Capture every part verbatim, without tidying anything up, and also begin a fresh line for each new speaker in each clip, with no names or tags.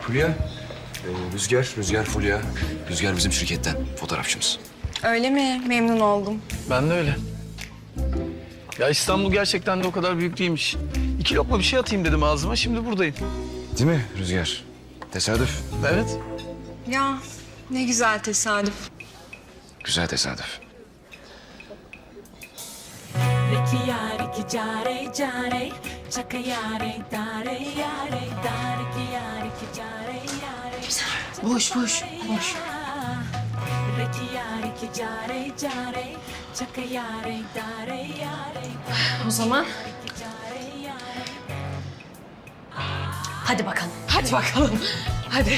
Fulya. Ee, Rüzgar, Rüzgar Fulya. Rüzgar bizim şirketten, fotoğrafçımız.
Öyle mi? Memnun oldum.
Ben de öyle. Ya İstanbul gerçekten de o kadar büyük değilmiş. İki lokma bir şey atayım dedim ağzıma, şimdi buradayım.
Değil mi Rüzgar? Tesadüf.
Evet.
Ya ne güzel tesadüf.
Güzel tesadüf.
Riki yare ki care care, chaka yare dare yare dare ki yare ki care yare.
Boş boş boş.
Riki yare ki care care, chaka yare dare yare.
O zaman
Ki care yare.
hadi bakalım.
Hadi bakalım. Hadi.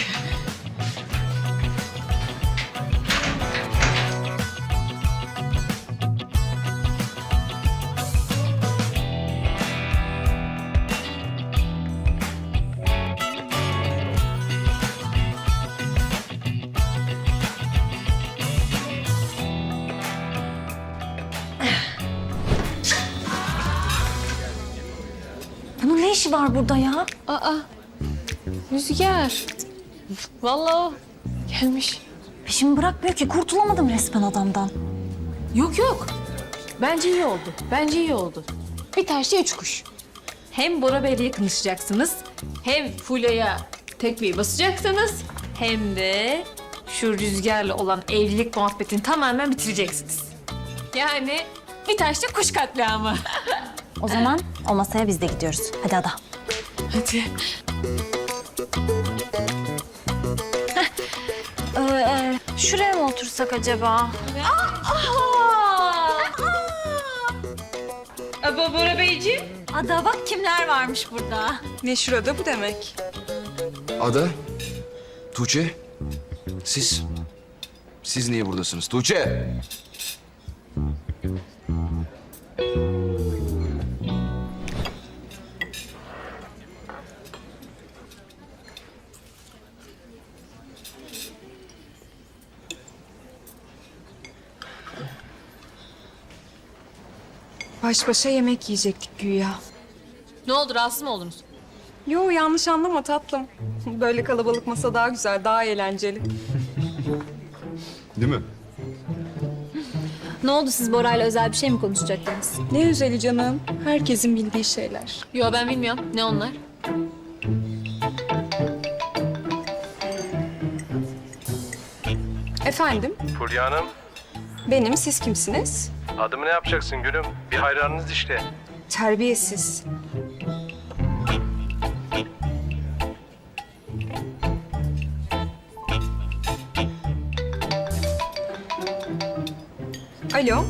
Bunun ne işi var burada ya?
Aa, Rüzgar. Vallahi o gelmiş.
Peşimi bırakmıyor ki. Kurtulamadım resmen adamdan.
Yok yok. Bence iyi oldu. Bence iyi oldu. Bir taşla üç kuş. Hem Bora Bey'le yakınlaşacaksınız, hem Fulya'ya tekmeyi basacaksınız, hem de şu Rüzgar'la olan evlilik muhabbetini tamamen bitireceksiniz. Yani bir taşla kuş katliamı.
O zaman o masaya biz de gidiyoruz. Hadi Ada.
Hadi.
Ee, e, şuraya mı otursak acaba?
Aba Bora Beyciğim.
Ada bak kimler varmış burada.
Ne şurada bu demek?
Ada, Tuğçe, siz... Siz niye buradasınız? Tuğçe!
Baş başa yemek yiyecektik güya.
Ne oldu, rahatsız mı oldunuz?
Yo yanlış anlama tatlım. Böyle kalabalık masa daha güzel, daha eğlenceli.
Değil mi?
Ne oldu, siz Bora'yla özel bir şey mi konuşacaktınız?
Ne özeli canım. Herkesin bildiği şeyler.
Yo ben bilmiyorum. Ne onlar?
Efendim,
Fulya Hanım,
benim, siz kimsiniz?
adımı ne yapacaksın gülüm? Bir hayranınız işte.
Terbiyesiz. Alo,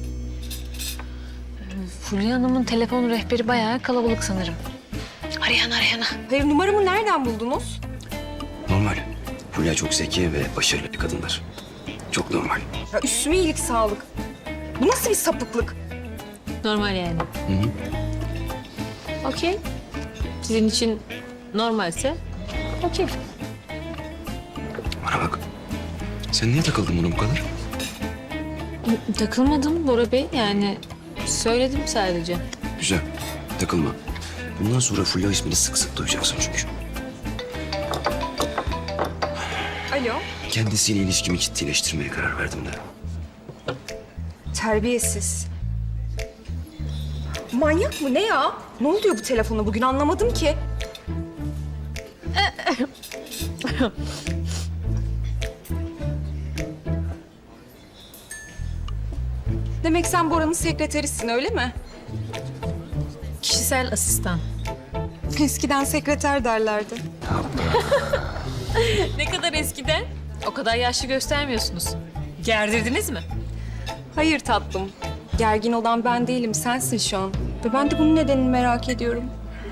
Fulya Hanım'ın telefon rehberi bayağı kalabalık sanırım. Arayan arayana.
hayır numaramı nereden buldunuz?
Normal. Fulya çok zeki ve başarılı bir kadınlar. Çok normal.
Ya üstüme iyilik sağlık. Bu nasıl bir sapıklık?
Normal yani.
Hı hı.
Okey. Sizin için normalse okey.
Bana bak. Sen niye takıldın buna bu kadar?
Takılmadım Bora Bey, yani söyledim sadece.
Güzel. Takılma. Bundan sonra Fulya ismini sık sık duyacaksın çünkü.
Alo,
Kendisiyle ilişkimi ciddileştirmeye karar verdim de.
terbiyesiz. Manyak mı ne ya? Ne oluyor bu telefona bugün anlamadım ki. Demek sen Bora'nın sekreterisin öyle mi?
Kişisel asistan.
Eskiden sekreter derlerdi.
Ne kadar eskiden? O kadar yaşlı göstermiyorsunuz. Gerdirdiniz mi?
Hayır tatlım. Gergin olan ben değilim, sensin şu an. Ve ben de bunun nedenini merak ediyorum.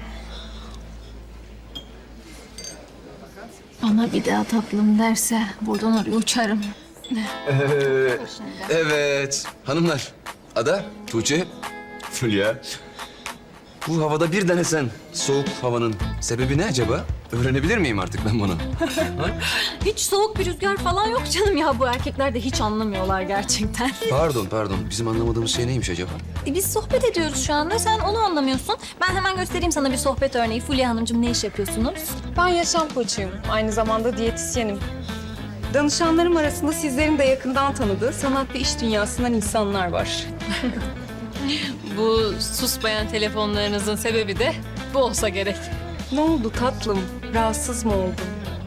Bana bir daha tatlım derse buradan oraya uçarım.
Ee, evet. Hanımlar. Ada, Tuğçe, Fulya. Bu havada bir denesen soğuk havanın sebebi ne acaba? Öğrenebilir miyim artık ben bunu?
Hiç soğuk bir rüzgar falan yok canım ya. Bu erkekler de hiç anlamıyorlar gerçekten.
Pardon pardon. Bizim anlamadığımız şey neymiş acaba?
E, Biz sohbet ediyoruz şu anda. Sen onu anlamıyorsun. Ben hemen göstereyim sana bir sohbet örneği. Fulya Hanımcığım ne iş yapıyorsunuz?
Ben yaşam koçuyum. Aynı zamanda diyetisyenim. Danışanlarım arasında sizlerin de yakından tanıdığı sanat ve iş dünyasından insanlar var.
Bu susmayan telefonlarınızın sebebi de bu olsa gerek.
Ne oldu tatlım? Rahatsız mı oldun?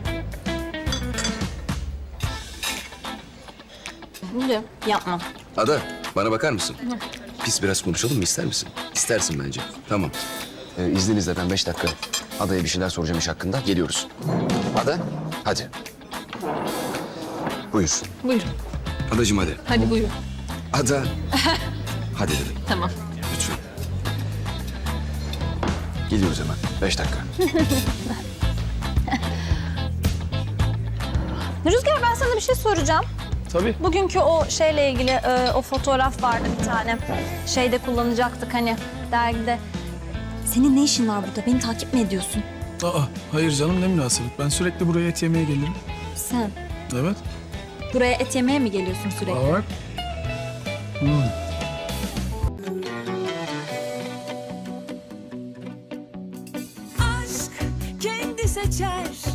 Fulya yapma.
Ada, bana bakar mısın? Biz biraz konuşalım mı? İster misin? İstersin bence. Tamam. Ee, izninizle ben beş dakika Ada'ya bir şeyler soracağım iş hakkında. Geliyoruz. Ada, hadi. Buyur.
Buyurun.
Adacığım hadi.
Hadi buyurun.
Ada. Hadi dedim.
Tamam.
Lütfen. Geliyoruz hemen. Beş dakika.
Rüzgar ben sana bir şey soracağım.
Tabii.
Bugünkü o şeyle ilgili e, o fotoğraf vardı bir tane. Şeyde kullanacaktık hani dergide. Senin ne işin var burada? Beni takip mi ediyorsun?
Aa, hayır canım ne münasebet. Ben sürekli buraya et yemeye gelirim.
Sen
Evet.
buraya et yemeye mi geliyorsun sürekli?
Aa, bak.
aşk kendi seçer